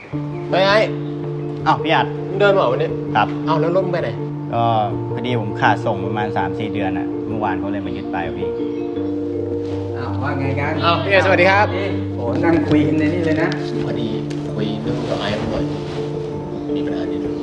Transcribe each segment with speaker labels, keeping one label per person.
Speaker 1: เฮ้ยไอ้
Speaker 2: อ้าวพี่อัด
Speaker 1: มึงเดินมาเหรอวันนี้
Speaker 2: ครับ
Speaker 1: เอ้าแล้วรถมึงไปไหน
Speaker 2: ก็พอดีผมขาดส่งประมาณ 3-4 เดือนอ่ะเมื่อวานเขาเลยมายึดไปพี่
Speaker 3: ว่าไงกัน
Speaker 1: อ้าวพี่สวัสดีครับ
Speaker 3: โอ้นั่งคุยกันในนี่เลยนะ
Speaker 1: พอดีคุยเรื่องกับไอ้หน่อยมีปัญหานิดนึง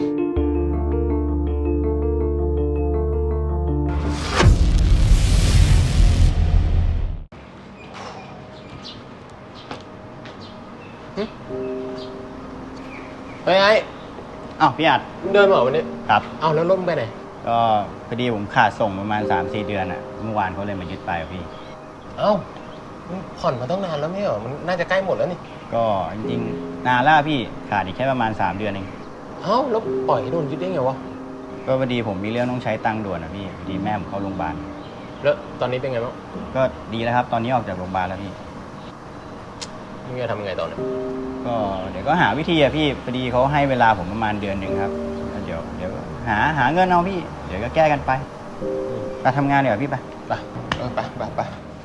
Speaker 1: เฮ้ยไอ้
Speaker 2: อ้าวพี่อัด
Speaker 1: มึงเดินมาเหรอวันนี้
Speaker 2: ครับ
Speaker 1: เอ้าแล้วรถมึงไปไหน
Speaker 2: ก็พอดีผมขาดส่งประมาณ 3-4 เดือนอ่ะเมื่อวานเขาเลยมายึดไปพี่
Speaker 1: เอ้ามึงผ่อนมาตั้งนานแล้วไม่เหรอมันน่าจะใกล้หมดแล้วนี่
Speaker 2: ก็จริงๆนานแล้วพี่ขาดอีกแค่ประมาณ3 เดือนเอง
Speaker 1: เอ้าแล้วปล่อยให้โดนยึดได้ไงวะ
Speaker 2: ก็พอดีผมมีเรื่องต้องใช้ตังค์ด่วนอ่ะพี่พอดีแม่ผมเข้าโรงพยาบาล
Speaker 1: แล้วตอนนี้เป็นไงบ้าง
Speaker 2: ก็ดีแล้วครับตอนนี้ออกจากโรงพยาบาลแล้วพี่
Speaker 1: มึงจะทำยังไงต่อเนี่ย
Speaker 2: ก็เดี๋ยวก็หาวิธีอะพี่พอดีเขาให้เวลาผมประมาณเดือนหนึ่งครับแล้วเดี๋ยวหาเงินเอาพี่เดี๋ยวก็แก้กันไปไปทำงานเดี๋ยวพี่ไป
Speaker 1: ไป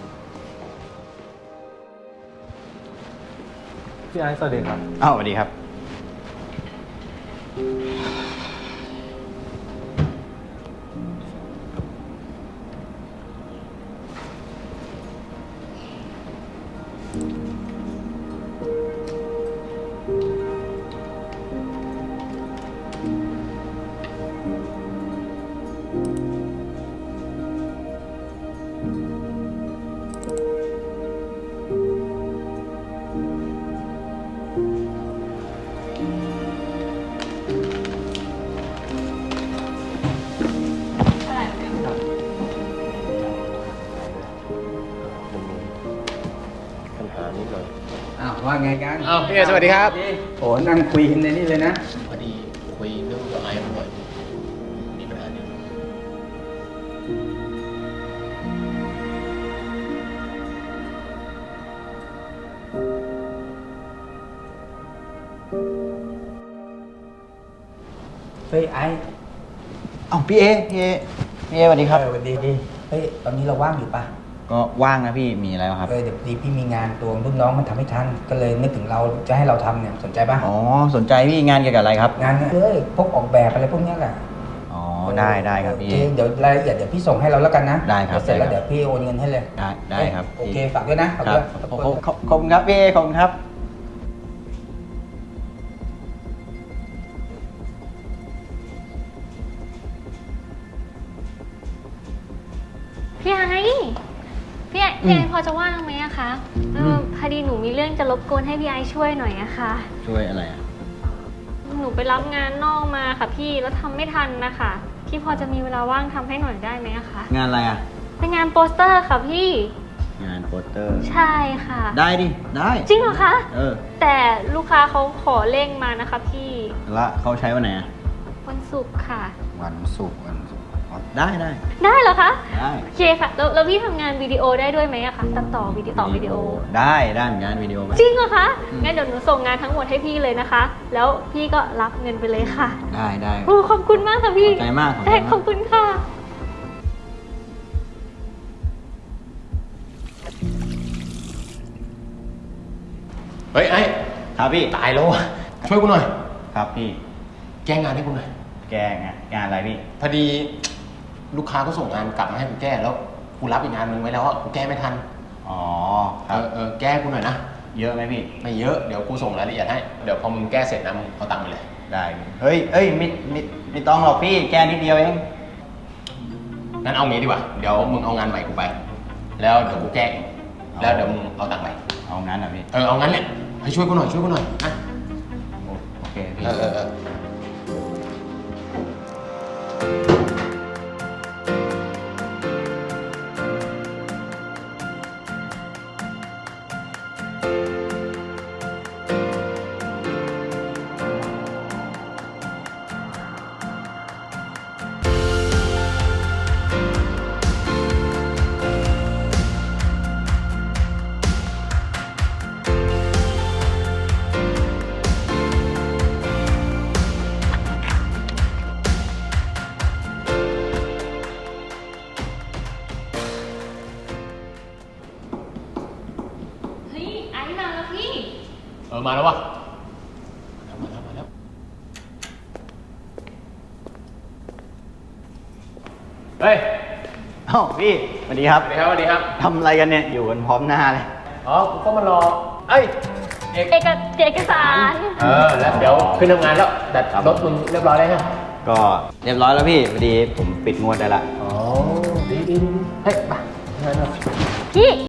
Speaker 4: พี่ไอซ์สวัสดีครับ
Speaker 2: อ้าวสวัสดีครับ
Speaker 1: ปัญหานิดหน่อย
Speaker 3: ว่าไงกัน
Speaker 1: อ้าวพี่สวัสดีครับ
Speaker 3: โอ้นั่งคุยกันในนี่เลยนะ
Speaker 1: พอดีคุยเรื่องกับไอ้หน่อยมีปัญหานิดหน่อย
Speaker 3: เฮ้ยไอ้
Speaker 2: อ้าวพี่เอสวัสดีครับ
Speaker 3: สวัสดีเฮ้ยตอนนี้เราว่างอยู่ปะ
Speaker 2: ก็ว่างนะพี่มีอะไรครับ
Speaker 3: เดี๋ยวพอดีพี่มีงานตัวรุ่นน้องมันทำไม่ทันก็เลยนึกถึงเราจะให้เราทำเนี่ยสนใจปะ
Speaker 2: อ๋อสนใจพี่งานเกี่ยวกับอะไรครับ
Speaker 3: งานพวกออกแบบอะไรพวกเนี้ยแหละ
Speaker 2: อ๋อได้ครับพี่
Speaker 3: เดี๋ยวรายละเอียดเดี๋ยวพี่ส่งให้เราแล้วกันนะ
Speaker 2: ได้ครับ
Speaker 3: เสร็จแล้วเดี๋ยวพี่โอนเงินให้เลย
Speaker 2: ได้ครับ
Speaker 3: โอเคฝากด้วยนะ
Speaker 2: ครับขอบคุณครับพี่ขอบคุณครับ
Speaker 5: พี่ไอพอจะว่างไหมอะคะพอดีหนูมีเรื่องจะรบกวนให้พี่ไอช่วยหน่อยอะค่ะ
Speaker 2: ช่วยอะไรอะ
Speaker 5: หนูไปรับงานนอกมาค่ะพี่แล้วทำไม่ทันนะคะพี่พอจะมีเวลาว่างทำให้หน่อยได้ไหมอะคะ
Speaker 2: งานอะไรอะ
Speaker 5: เป็นงานโปสเตอร์ค่ะพี่
Speaker 2: งานโปสเตอร์
Speaker 5: ใช่ค่ะ
Speaker 2: ได้ดิได้
Speaker 5: จริงเหรอคะ
Speaker 2: แต่
Speaker 5: ลูกค้าเขาขอเร่งมานะคะพี่
Speaker 2: ละเขาใช้วันไหนอะ
Speaker 5: วันศุกร์ค่ะ
Speaker 2: วันศุกร์ได้
Speaker 5: เหรอคะ
Speaker 2: ได้
Speaker 5: โอเคค่ะแล้วพี่ทำงานวิดีโอได้ด้วยไหมอะคะตัดต่อวิดีโอ
Speaker 2: ได้เหมือนกันวิดีโอ
Speaker 5: จริงเหรอคะงั้นเดี๋ยวหนูส่งงานทั้งหมดให้พี่เลยนะคะแล้วพี่ก็รับเงินไปเลยค่ะ
Speaker 2: ได้
Speaker 5: โอ้ขอบคุณมากค่ะพี่
Speaker 2: ขอบใจมาก
Speaker 5: ขอบคุณค่ะ
Speaker 1: เฮ้ยไอ้
Speaker 2: ครับพี่
Speaker 1: ตายแล้วอ่ะช่วยกูหน่อย
Speaker 2: ครับพี่
Speaker 1: แก้งานให้กูหน่อย
Speaker 2: แก้งานอะไรพี่
Speaker 1: พอดีลูกค้าก็ส่งงานกลับมาให้กูแก้แล้วกูรับอีกงานนึงไว้แล้วอ่ะกูแก้ไม่ทัน
Speaker 2: อ๋อครับ
Speaker 1: แก้กูหน่อยนะ
Speaker 2: เยอะไหมพี่
Speaker 1: ไม่เยอะเดี๋ยวกูส่งรายละเอียดให้เดี๋ยวพอมึงแก้เสร็จนะมึงเอาตังค์ไปเลย
Speaker 2: ได้เฮ้ยไม่ต้องหรอกพี่แก้นิดเดียวเอง
Speaker 1: งั้นเอางี้ดีกว่าเดี๋ยวมึงเอางานใหม่กูไปแล้วเดี๋ยวกูแก้เองแล้วเดี๋ยวมึงเอาตังค์ไป
Speaker 2: เอางั้นเหรอพี่
Speaker 1: เอางั้นแหละให้ช่วยกูหน่อยนะ
Speaker 2: โอเคพี่
Speaker 5: ไอ้มาแล้วพี่
Speaker 1: มาแล้ววะเฮ้ย
Speaker 2: เอ้าพี่สวัสดีครับ
Speaker 1: สวัสดีครับสวัสดีครับ
Speaker 2: ทำอะไรกันเนี่ยอยู่กันพร้อมหน้าเลย
Speaker 1: อ๋อ กูก็มารอ เอ้ย
Speaker 5: เอกสาร
Speaker 1: แล้วเดี๋ยวขึ้นทำงานแล้วแต่รถมึงเรียบร้อยแล้วใช่ไหม
Speaker 2: ก็เรียบร้อยแล้วพี่พอดีผมปิดงวดได้ละ
Speaker 1: อ๋อ ดีเฮ้ยไปงานเถอะ
Speaker 5: พี่